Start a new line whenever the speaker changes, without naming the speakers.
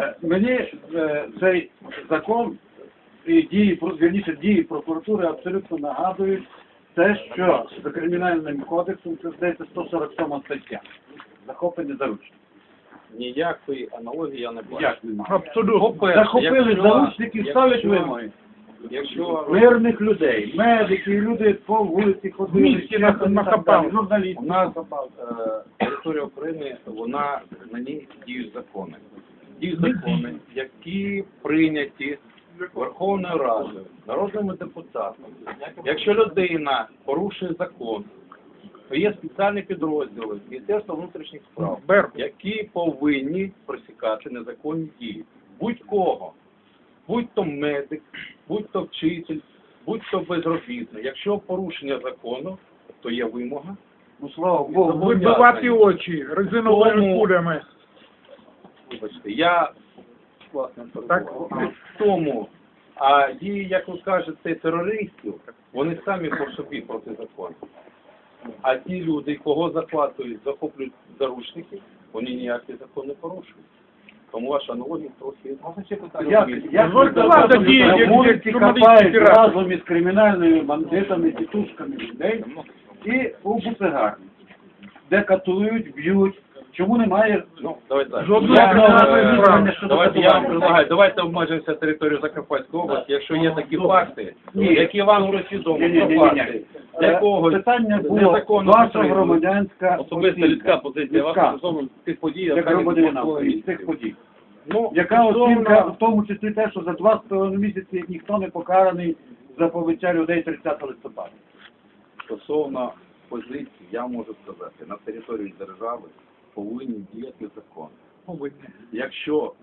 Мені цей закон і дії, дії прокуратури абсолютно нагадують те, що за кримінальним кодексом, це здається 147 стаття. Захоплення заручників.
Ніякої аналогії я не бачу.
Як немає?
По-перше,
Захопили заручників, ставлять вимоги.
Якщо
Мирних людей, медиків, люди по вулиці ходили,
Місті нахапали.
журналістів.
у нас територія України, на ній діють закони. Діють закони, які прийняті Верховною Радою, народними депутатами. Якщо людина порушує закон, то є спеціальні підрозділи Міністерства внутрішніх справ, які повинні пресікати незаконні дії. Будь-кого. Будь-то медик, будь-то вчитель, будь-то безробітний. Якщо порушення закону, то є вимога.
Ну, слава Богу,
Вибивати очі резиновими кулями.
Вибачте, я, власне,
Так.
в тому, а дії, як ви кажете, терористів, вони самі по собі протизаконні. А ті люди, кого захоплюють заручники, вони ніякі закон не порушують. Тому ваша аналогія трохи...
як на вулиці копають разом із кримінальними бандитами, тітушками людей і у буцегарні, де катують, б'ють. Чому немає
Давайте так.
Жодного
Я вам предлагаю, давайте обмежимося територією Закарпатської області, якщо є такі факти, які вам вже відомі, про факти, якогось
питання було
незаконного
ваша
підтримку.
громадянська
Особиста людська позиція ваша стосовно тих подій,
як
яка
громадянина
відбулася.
із цих подій.
Ну,
Яка оцінка, в тому числі те, що за 2,5 місяці ніхто не покараний за побиття людей 30 листопада?
Стосовно позиції, я можу сказати, на території держави повинні діяти закони. Якщо